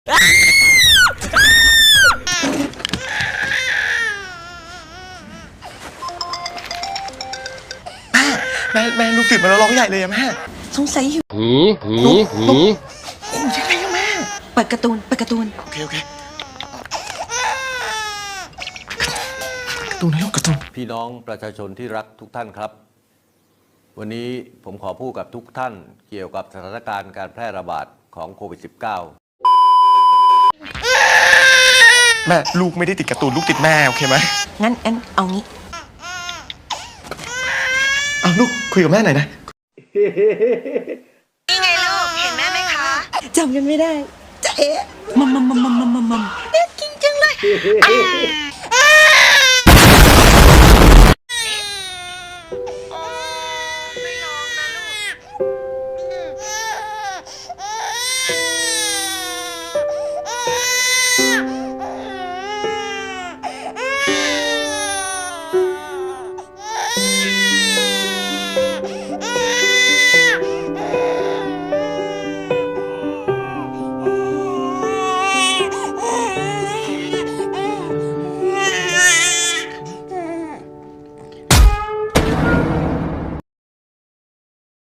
แม่ลูกตื่นมาแล้วร้องใหญ่เลยอะแม่สงสัยหิวลูกยังไงอะแม่เปิดการ์ตูนโอเคการ์ตูนนะลูกการ์ตูนพี่น้องประชาชนที่รักทุกท่านครับวันนี้ผมขอพูดกับทุกท่านเกี่ยวกับสถานการณ์การแพร่ระบาดของโควิด -19 แม่ลูกไม่ได้ติดการ์ตูนลูกติดแม่โอเคไหมงั้นเอางี้เอาลูกคุยกับแม่หน่อยนะนี่ไงลูกเห็นแม่ไหมคะจำกันไม่ได้จะเอ๊ะมัมน่ากินจังเลย